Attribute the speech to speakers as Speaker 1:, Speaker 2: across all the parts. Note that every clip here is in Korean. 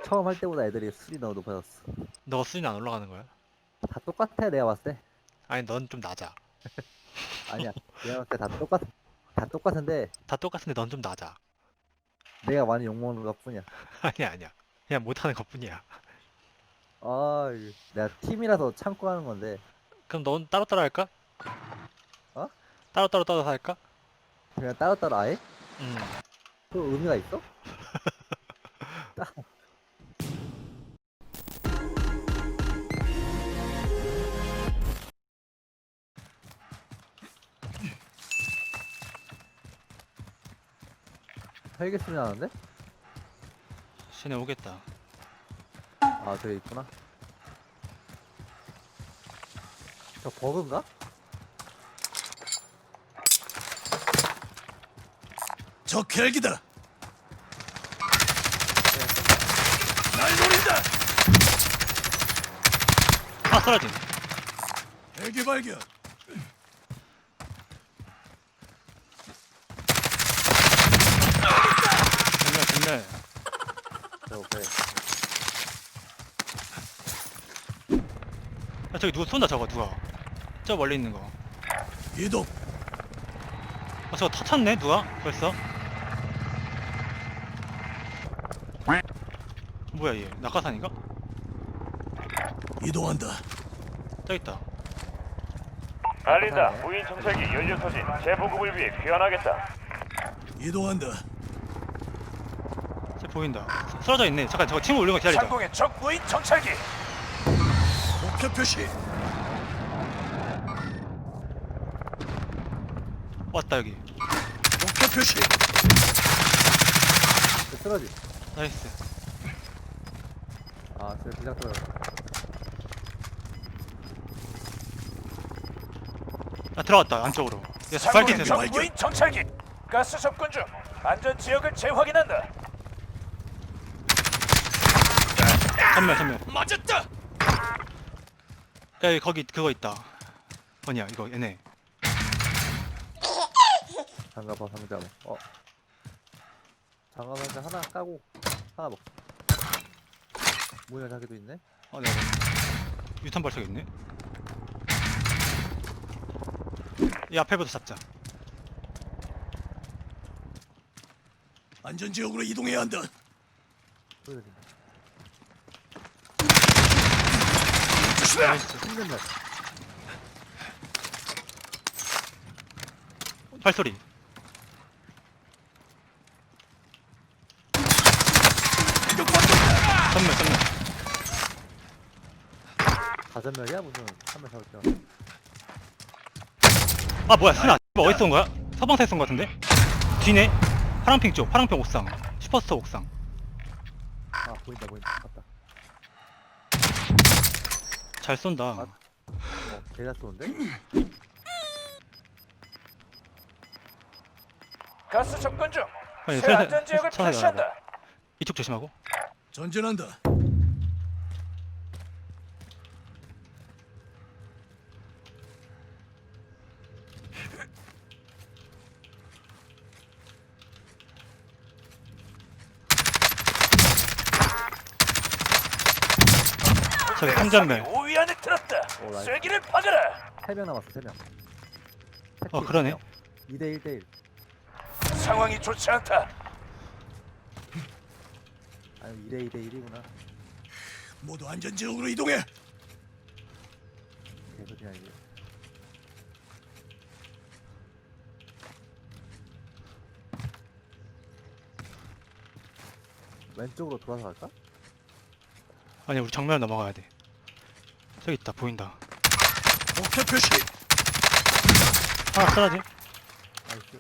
Speaker 1: 처음 할 때보다 애들이 술이 너무 높아졌어.
Speaker 2: 너 수준 안 올라가는 거야?
Speaker 1: 다 똑같아 내가 봤을 때.
Speaker 2: 아니 넌 좀 낮아.
Speaker 1: 아니야. 내가 봤을 때 다 똑같. 다 똑같은데
Speaker 2: 다 똑같은데 넌 좀 낮아.
Speaker 1: 내가 많이 욕먹는 것뿐이야.
Speaker 2: 아니야 아니야. 그냥 못하는 것뿐이야.
Speaker 1: 아, 내가 팀이라서 참고 하는 건데.
Speaker 2: 그럼 넌 따로따로 할까?
Speaker 1: 어?
Speaker 2: 따로따로 할까?
Speaker 1: 그냥 따로따로 아예?
Speaker 2: 음.
Speaker 1: 그 의미가 있어? 헬기 소리 나는데?
Speaker 2: 쟤네 오겠다.
Speaker 1: 아, 저기 있구나. 저 버그인가?
Speaker 3: 적 헬기다. 날 노린다.
Speaker 2: 아 쓰러짐.
Speaker 3: 헬기 발견.
Speaker 2: 정말.
Speaker 1: 저 그래.
Speaker 2: 야 저기 누가 쏜다 저거 누가. 저 멀리 있는 거.
Speaker 3: 이동.
Speaker 2: 아 저거 터쳤네 누가 벌써. 뭐야 얘 낙하산인가?
Speaker 3: 이동한다.
Speaker 2: 저기 있다.
Speaker 4: 알린다. 무인 정찰기 연료 소진 재보급을 위해 귀환하겠다.
Speaker 3: 이동한다.
Speaker 2: 쟤 보인다. 쓰러져 있네. 잠깐 저거 친구 올린 거 기다리자.
Speaker 4: 상공의 적 무인 정찰기.
Speaker 3: 목표 표시.
Speaker 2: 왔다 여기.
Speaker 3: 목표 표시.
Speaker 1: 저 쓰러지.
Speaker 2: 나이스.
Speaker 1: 아, 저 그냥 떨어져.
Speaker 2: 아 들어갔다 안쪽으로. 얘
Speaker 4: 상공의
Speaker 2: 스파이킹
Speaker 4: 적
Speaker 2: 센서.
Speaker 4: 무인 정찰기. 가스 접근 중. 안전 지역을 재확인한다.
Speaker 2: 전면.
Speaker 3: 맞았다.
Speaker 2: 야 여기 거기 그거 있다. 뭐냐 이거 얘네.
Speaker 1: 장갑아, 상자. 장갑 상자 하나 까고 하나 먹. 모양 자기도 있네.
Speaker 2: 네. 유탄 발사기 있네. 이 앞에부터 잡자.
Speaker 3: 안전 지역으로 이동해야 한다.
Speaker 1: 소리 들린다.
Speaker 3: 조심해.
Speaker 2: 나이스.
Speaker 1: 힘든 날.
Speaker 2: 발소리. 전면.
Speaker 1: 가전멸이야? 무슨 한명 잡을 때.
Speaker 2: 아 뭐야 스나. 뭐 어디서 온 거야? 서방사에 쏜거 같은데? 뒤네. 파랑핑 쪽. 파랑핑 옥상. 슈퍼스터 옥상.
Speaker 1: 아, 보인다. 맞다.
Speaker 2: 잘 쏜다.
Speaker 1: 개가 쏘는데?
Speaker 4: 가스 접근 중.
Speaker 2: 아니,
Speaker 4: 새 안전 지역을
Speaker 2: 천천히
Speaker 4: 표시한다.
Speaker 2: 이쪽 조심하고.
Speaker 3: 전진한다.
Speaker 2: 저기 삼전멸.
Speaker 4: 5위 안에 들었다.
Speaker 1: 오, 나이스.
Speaker 4: 쐐기를 박아라.
Speaker 1: 3명 남았어, 3명.
Speaker 2: 그러네.
Speaker 1: 2대 1대1.
Speaker 4: 상황이 좋지 않다.
Speaker 1: 아니, 2대 2대 1이구나.
Speaker 3: 모두 안전 지역으로 이동해.
Speaker 1: 개소리야, 이게. 왼쪽으로 돌아서 갈까?
Speaker 2: 아니 우리 정면 넘어가야 돼. 저기 있다 보인다.
Speaker 3: 목표 표시.
Speaker 2: 하나 쓰러지.
Speaker 1: 나이스.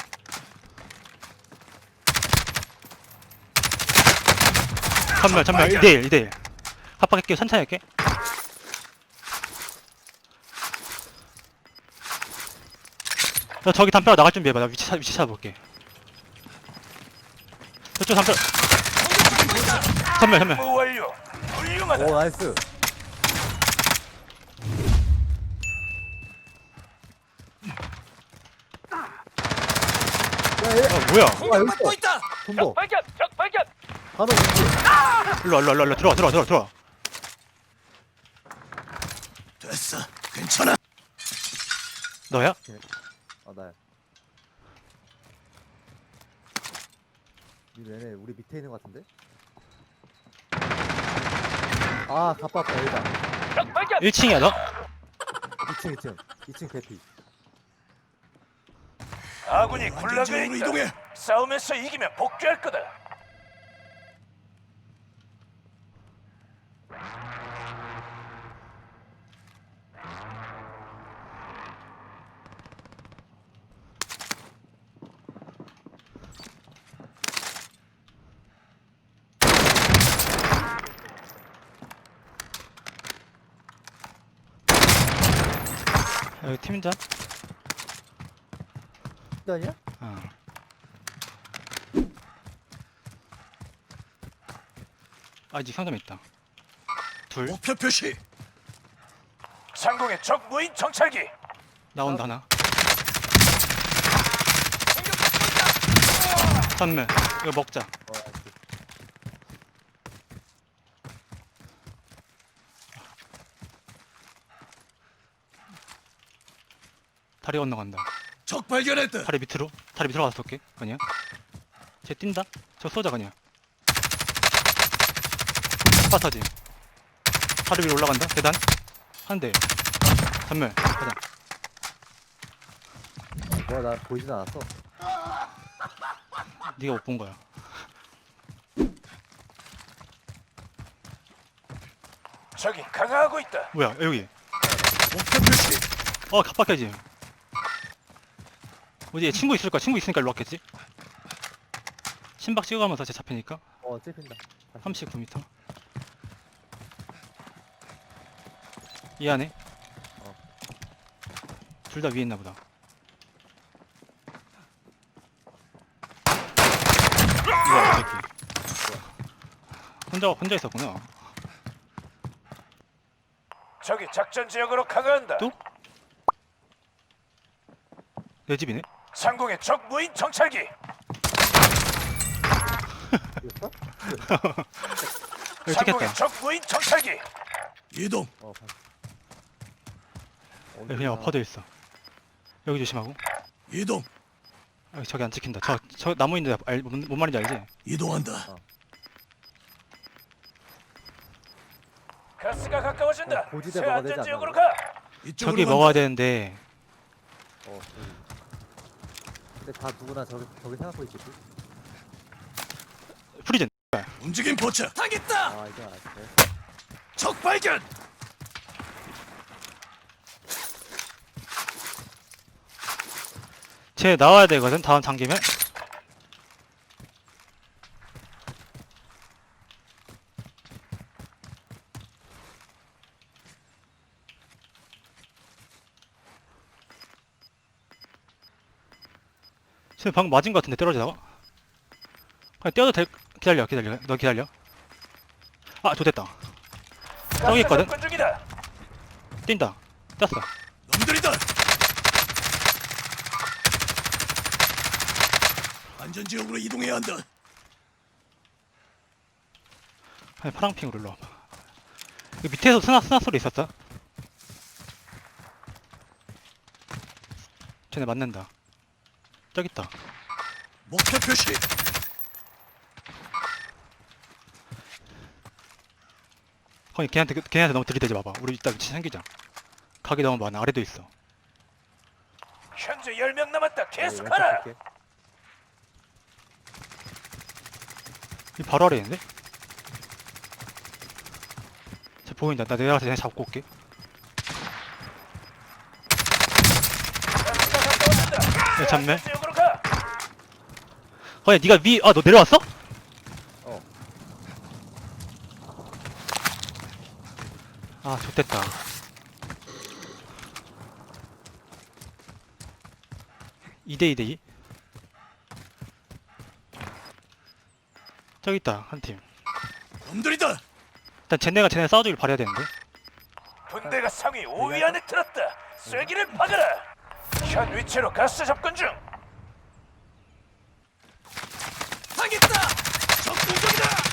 Speaker 2: 전면 2대1 합박할게요. 천천히 할게. 야 저기 담벼락 나갈 준비해봐. 나 위치 찾아볼게. 저쪽 담벼락. 전면
Speaker 4: 임무 완료. 훌륭하다.
Speaker 1: 오, 나이스. 야, 얘.
Speaker 2: 뭐야?
Speaker 1: 와, 여기 있어.
Speaker 3: 있다.
Speaker 1: 손보.
Speaker 4: 발견. 적 발견.
Speaker 1: 바로 왼쪽.
Speaker 2: 일로 들어와.
Speaker 3: 됐어. 괜찮아.
Speaker 2: 너야?
Speaker 1: 아 나야. 얘네 우리 밑에 있는 것 같은데? 아 가빠왔다 여기다.
Speaker 4: 적 발견.
Speaker 2: 1층이야 너?
Speaker 1: 2층 대피.
Speaker 4: 아군이
Speaker 3: 모두
Speaker 4: 군락에
Speaker 3: 안전지역으로
Speaker 4: 있다.
Speaker 3: 이동해.
Speaker 4: 싸움에서 이기면 복귀할 거다.
Speaker 2: 여기 팀장?
Speaker 1: 아니야?
Speaker 2: 어. 아직 상점 있다. 둘
Speaker 3: 목표 표시.
Speaker 4: 상공의 적 무인 정찰기.
Speaker 2: 나온다 하나. 전면 이거 먹자.
Speaker 1: 알았지.
Speaker 2: 다리 건너간다.
Speaker 3: 적 발견했다.
Speaker 2: 다리 밑으로 가서 쏠게. 아니야? 쟤 뛴다? 저 쏘자 그냥. 파타지. 다리 위로 올라간다. 계단. 한 대. 전멸. 가자.
Speaker 1: 뭐야 나 보이진 않았어.
Speaker 2: 네가 못 본 거야.
Speaker 4: 적이 강화하고 있다.
Speaker 2: 뭐야 여기.
Speaker 3: 목표 표시.
Speaker 2: 갑박해지. 어디 얘 친구 있을 거야. 친구 있으니까 일로 왔겠지. 심박 찍어가면서 쟤 잡히니까.
Speaker 1: 찝힌다.
Speaker 2: 39m. 이 안에. 둘 다 위에 있나 보다. 뭐야 이 새끼. 혼자 있었구나.
Speaker 4: 적이 작전 지역으로 강화한다.
Speaker 2: 또? 내 집이네.
Speaker 4: 상공의 적 무인 정찰기.
Speaker 1: 이겼어?
Speaker 2: 여기
Speaker 4: 상공의
Speaker 2: 찍혔다.
Speaker 4: 적 무인 정찰기.
Speaker 3: 이동.
Speaker 1: 봤어.
Speaker 2: 여기 그냥 엎어져 있어. 여기 조심하고.
Speaker 3: 이동.
Speaker 2: 여기 저기 안 찍힌다. 저 나무 있는데 뭔 말인지 알지?
Speaker 3: 이동한다.
Speaker 4: 가스가 가까워진다.
Speaker 1: 고지대
Speaker 4: 새
Speaker 1: 먹어야 되지
Speaker 4: 안전 지역으로
Speaker 1: 않나?
Speaker 4: 가.
Speaker 3: 이쪽으로
Speaker 2: 저기
Speaker 3: 간다.
Speaker 2: 먹어야 되는데
Speaker 1: 여기. 근데 다 누구나 저기 생각하고 있겠지?
Speaker 2: 프리즌.
Speaker 3: 움직임 포착. 타겠다.
Speaker 1: 아 이제 알았어.
Speaker 3: 적 발견.
Speaker 2: 쟤 나와야 되거든. 다음 잠기면. 쟤 방금 맞은 거 같은데 떨어지다가. 그냥 뛰어도 될. 기다려. 너 기다려. 아 좋됐다. 저기 있거든.
Speaker 4: 접근 중이다.
Speaker 2: 뛴다. 떴어.
Speaker 3: 놈들이다. 안전지역으로 이동해야 한다.
Speaker 2: 아니, 파랑핑으로 일로 와봐. 여기 밑에서 스나 소리 있었어? 쟤네 맞는다. 저기 있다.
Speaker 3: 목표 표시.
Speaker 2: 거기 걔한테 너무 들이대지 마봐. 우리 이따 위치 챙기자. 각이 너무 많아. 아래도 있어.
Speaker 4: 현재 10명 남았다.
Speaker 1: 왼쪽
Speaker 4: 계속하라.
Speaker 1: 볼게.
Speaker 2: 이 바로 아래 있는데? 쟤 보인다. 나 내려가서 쟤네 잡고 올게.
Speaker 4: 가스가 가까워진다.
Speaker 2: 야, 잠매.
Speaker 4: 안전 지역으로 가.
Speaker 2: 거기 니가 너 내려왔어?
Speaker 1: 어.
Speaker 2: 아 좋됐다. (2대 2대 2) 저기 있다 한 팀.
Speaker 3: 놈들이다.
Speaker 2: 일단 쟤네 싸워주길 바라야 되는데.
Speaker 4: 분대가 상위 5위 안에 들었다. 쐐기를 박아라. 현 위치로 가스 접근 중.
Speaker 3: 타겠다. 적 공격이다.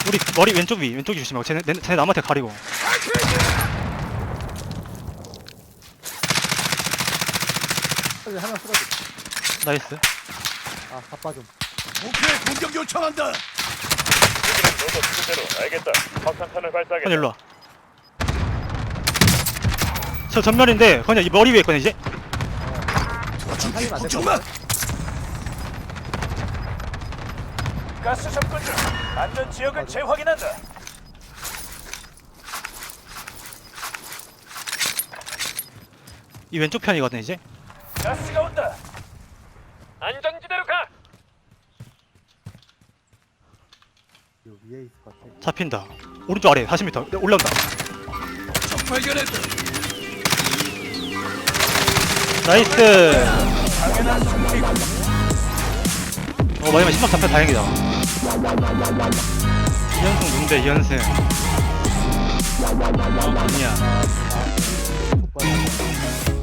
Speaker 2: 우리 머리 왼쪽 위 조심하고 쟤네 남한테 가리고.
Speaker 1: 저기 하나 쓰러져.
Speaker 2: 나이스.
Speaker 1: 아, 바빠 좀.
Speaker 3: 목표에 공격 요청한다.
Speaker 4: 너도 그대로 알겠다. 확산탄을
Speaker 2: 건
Speaker 4: 발사하겠다.
Speaker 2: 일로 와. 저 전면인데 그냥 이 머리 위에 있거든 이제.
Speaker 3: 도와줄게.
Speaker 1: 살리면 안
Speaker 3: 걱정
Speaker 1: 될것
Speaker 3: 마.
Speaker 1: 같아.
Speaker 4: 가스 접근 중. 안전 지역을 재확인한다.
Speaker 2: 이 왼쪽 편이거든 이제.
Speaker 4: 가스가 온다. 안전지대로 가.
Speaker 1: 요 위에 있을 것 같아.
Speaker 2: 잡힌다. 오른쪽 아래 40m 올라온다.
Speaker 3: 적 발견했다.
Speaker 2: 나이스.
Speaker 4: 당연한 승리고.
Speaker 2: 마지막에 신박 잡혀 다행이다. 2연승 누군데 2연승. 아니야.
Speaker 1: 족발.